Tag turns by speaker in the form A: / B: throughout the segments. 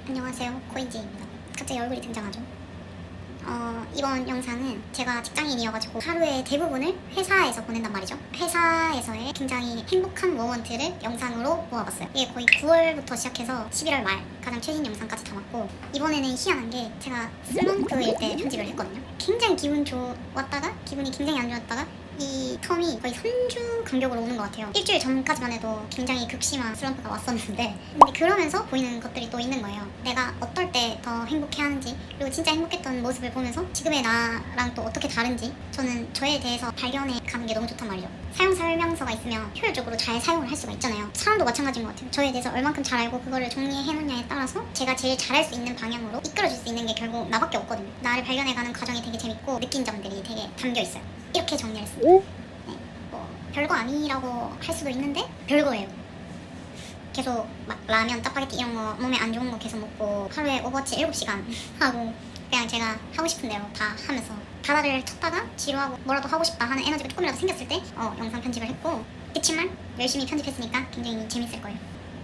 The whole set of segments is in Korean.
A: 안녕하세요, 코인지입니다. 갑자기 얼굴이 등장하죠. 이번 영상은 제가 직장인이어가지고 하루의 대부분을 회사에서 보낸단 말이죠. 회사에서의 굉장히 행복한 모먼트를 영상으로 모아봤어요. 이게 거의 9월부터 시작해서 11월 말 가장 최신 영상까지 담았고, 이번에는 희한한 게 제가 슬럼프일 때 편집을 했거든요. 굉장히 기분 좋았다가 기분이 굉장히 안 좋았다가 이 텀이 거의 3주 간격으로 오는 것 같아요. 일주일 전까지만 해도 굉장히 극심한 슬럼프가 왔었는데, 근데 그러면서 보이는 것들이 또 있는 거예요. 내가 어떨 때 더 행복해하는지, 그리고 진짜 행복했던 모습을 보면서 지금의 나랑 또 어떻게 다른지 저는 저에 대해서 발견해 가는 게 너무 좋단 말이죠. 사용 설명서가 있으면 효율적으로 잘 사용을 할 수가 있잖아요. 사람도 마찬가지인 것 같아요. 저에 대해서 얼만큼 잘 알고 그거를 정리해 놓냐에 따라서 제가 제일 잘할 수 있는 방향으로 이끌어줄 수 있는 게 결국 나밖에 없거든요. 나를 발견해가는 과정이 되게 재밌고 느낀 점들이 되게 담겨 있어요. 이렇게 정리를 했습니다. 네, 뭐 별거 아니라고 할 수도 있는데 별거예요. 계속 막 라면, 짜파게티 이런 거 몸에 안 좋은 거 계속 먹고 하루에 오버워치 7시간 하고 그냥 제가 하고 싶은 대로 다 하면서 바다를 쳤다가 지루하고 뭐라도 하고 싶다 하는 에너지가 조금이라도 생겼을 때 영상 편집을 했고, 그치만 열심히 편집했으니까 굉장히 재밌을 거예요.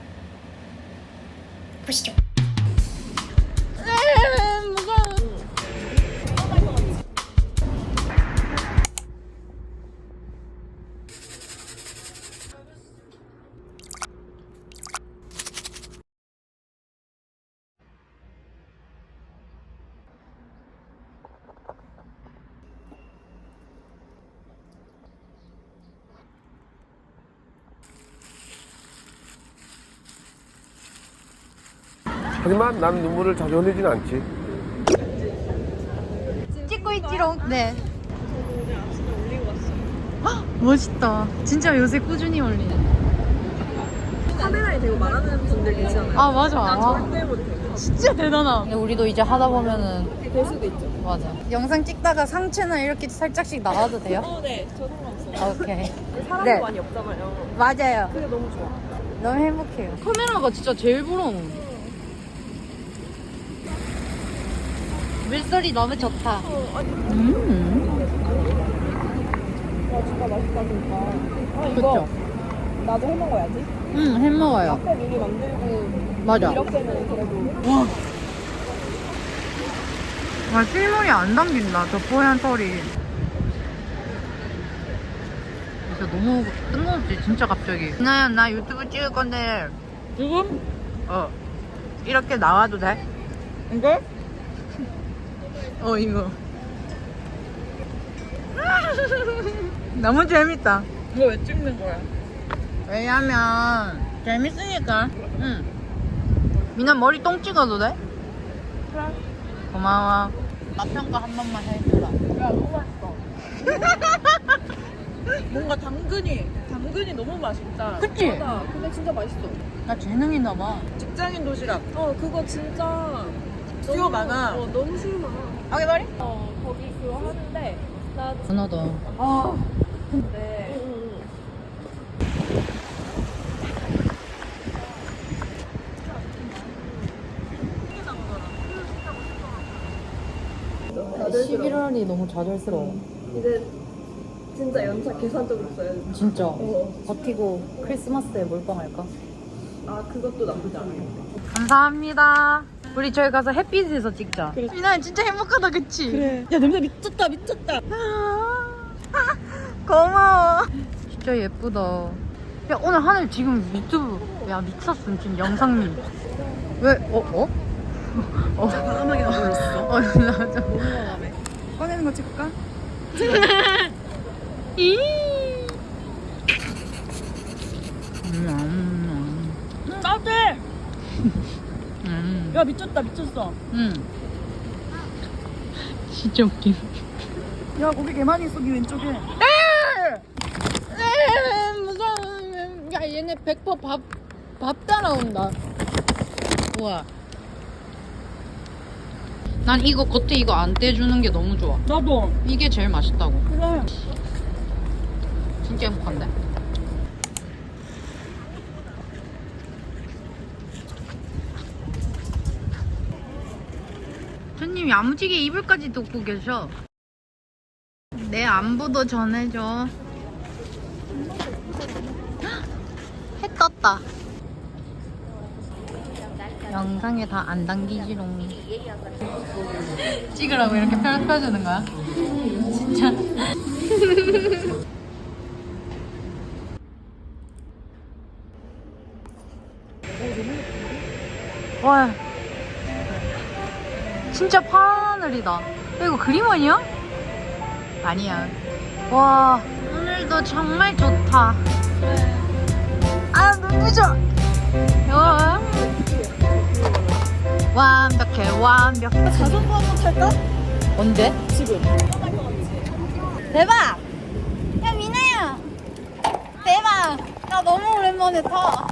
A: 보시죠.
B: 하지만 난 눈물을 자주 흘리진 않지.
C: 찍고 있지롱. 네. 헉, 멋있다. 진짜 요새 꾸준히 올리네.
D: 카메라에 대고 말하는 분들 계시잖아요.
C: 아 맞아.
D: 난 절대 못해.
C: 진짜 대단하. 근데 우리도 이제 하다 보면은
D: 될 수도 있죠.
C: 맞아. 영상 찍다가 상체는 이렇게 살짝씩 나와도 돼요?
D: 네. 저 상관없어요.
C: 오케이.
D: 사람도
C: 네.
D: 많이 없잖아요.
C: 맞아요.
D: 그게 너무 좋아.
C: 너무 행복해요. 카메라가 진짜 제일 부러워. 물소리 너무 좋다.
D: 와, 진짜 맛있다, 진짜. 아, 이거
C: 그쵸?
D: 나도 해 먹어야지.
C: 해 먹어요.
D: 앞에 미리 만들고
C: 맞아.
D: 이렇게는 그래도
C: 와. 아, 실물이 안 담긴다, 저 뽀얀 털이. 진짜 너무 뜬금없지, 진짜 갑자기. 나 유튜브 찍을 건데. 지금? 이렇게 나와도 돼? 이거? 이거. 너무 재밌다.
D: 이거 왜 찍는 거야?
C: 왜냐면, 재밌으니까. 응. 미나 머리 똥 찍어도 돼?
D: 그래.
C: 고마워. 맛 평가 한 번만 해주라.
D: 야, 너무 맛있어. 뭔가 당근이 너무 맛있다.
C: 그치?
D: 맞아. 근데 진짜 맛있어.
C: 나 재능 있나 봐.
D: 직장인 도시락. 그거 진짜
C: 수요
D: 너무,
C: 많아.
D: 너무 수요 많아.
C: 하게 말이?
D: 거기 그거 하는데 나
C: 분하다.
D: 근데
C: 아, 11월이 너무 좌절스러워.
D: 이제 진짜 연차 계산적으로 써야지.
C: 진짜. 버티고 크리스마스에 몰빵할까?
D: 그것도 나쁘지 않아요.
C: 감사합니다. 우리 저희 가서 햇빛에서 찍자. 그래. 미나 진짜 행복하다, 그치?
D: 그래. 야, 냄새 미쳤다, 미쳤다.
C: 고마워. 진짜 예쁘다. 야, 오늘 하늘 지금 유튜브. 야, 미쳤어. 지금 영상님. 왜?
D: 과감하게 나 불렀어.
C: 나
D: 너무 과감해. 꺼내는 거 찍을까?
C: 이.
D: 따뜻해. 야, 미쳤다, 미쳤어.
C: 진짜 웃긴.
D: 야, 거기 개 많이 있어, 니 왼쪽에.
C: 무서워. 야, 얘네 100% 밥 따라온다. 우와. 난 이거 겉에 이거 안 떼주는 게 너무 좋아.
D: 나도.
C: 이게 제일 맛있다고.
D: 그래.
C: 진짜 행복한데? 손님 야무지게 이불까지 덮고 계셔. 내 안부도 전해줘. 해 떴다. 영상에 다 안 담기지롱. 찍으라고 이렇게 펴주는 거야? 진짜. 와, 진짜 파란 하늘이다. 야, 이거 그림 아니야? 아니야. 와, 오늘도 정말 좋다. 아, 눈부셔. 와, 완벽해, 완벽해.
D: 자전거 한번 탈까?
C: 언제?
D: 지금.
C: 대박! 야, 미나야! 대박! 나 너무 오랜만에 타.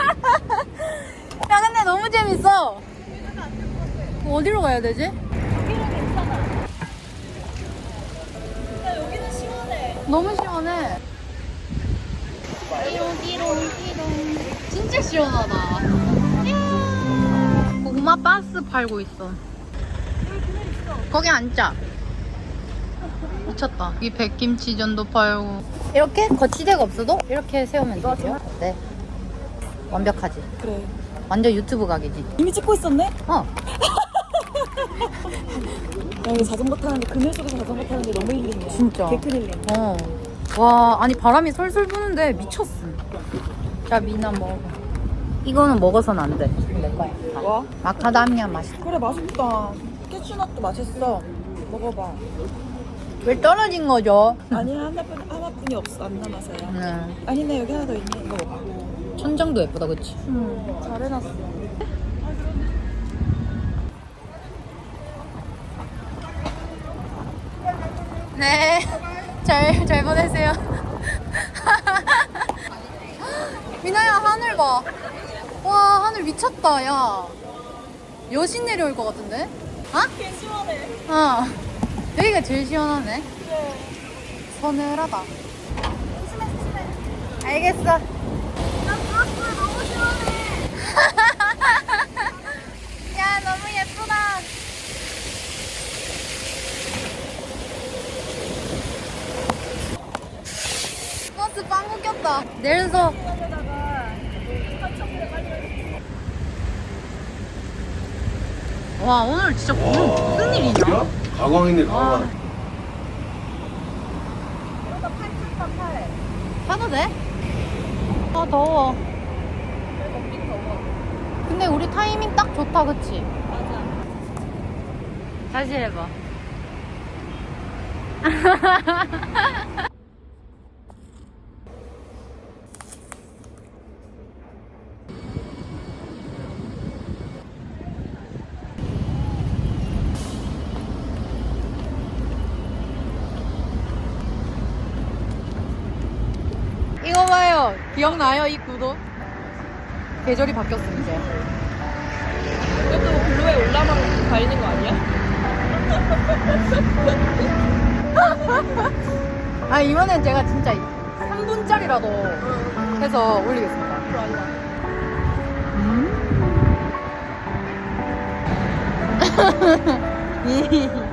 C: 야, 근데 너무 재밌어. 어디로 가야 되지?
D: 여기는 괜찮아. 야, 여기는 시원해.
C: 너무 시원해. 띠롱띠롱띠롱. 진짜 시원하다. 이야. 고구마 바스 팔고 있어. 거기 앉자. 미쳤다. 이 백김치전도 팔고. 이렇게 거치대가 없어도 이렇게 세우면 되죠? 네. 완벽하지?
D: 그래.
C: 완전 유튜브 각이지?
D: 이미 찍고 있었네?
C: 어.
D: 야, 이거 자전거 타는데, 그늘 속에서 자전거 타는데 너무 힐링이야.
C: 진짜.
D: 개큰 힐링.
C: 어. 와, 아니 바람이 솔솔 부는데 미쳤어. 자, 미나 먹어. 이거는 먹어서는 안 돼. 내 거야.
D: 뭐?
C: 마카다미아 맛있어.
D: 그래, 맛있다. 캐슈넛도 맛있어. 먹어봐.
C: 왜 떨어진 거죠?
D: 아니야, 하나뿐이 없어. 안 남아서야.
C: 네.
D: 아니네, 여기 하나 더 있네. 이거 먹어.
C: 천장도 예쁘다, 그치?
D: 잘 해놨어.
C: 네. 잘 보내세요. 미나야, 하늘 봐. 와, 하늘 미쳤다, 야. 여신 내려올 것 같은데? 어?
D: 개 시원해.
C: 어. 여기가 제일 시원하네. 서늘하다. 알겠어.
D: 나 부었어. 너무 시원해.
C: 야, 너무 예쁘다. 버스 빵꾸 꼈다. 내려서. 와, 오늘 진짜 오늘 무슨 일이냐?
B: 가광이네, 가광.
C: 타도 돼? 아, 더워. 근데 우리 타이밍 딱 좋다, 그치?
D: 맞아.
C: 다시 해봐. 이거 봐요. 기억나요? 이 구도? 계절이 바뀌었어, 이제.
D: 이것도 블루에 올라만 가리는 거 아니야?
C: 아, 이번엔 제가 진짜 3분짜리라도 해서 올리겠습니다.
D: 좋아, 좋아.
C: 이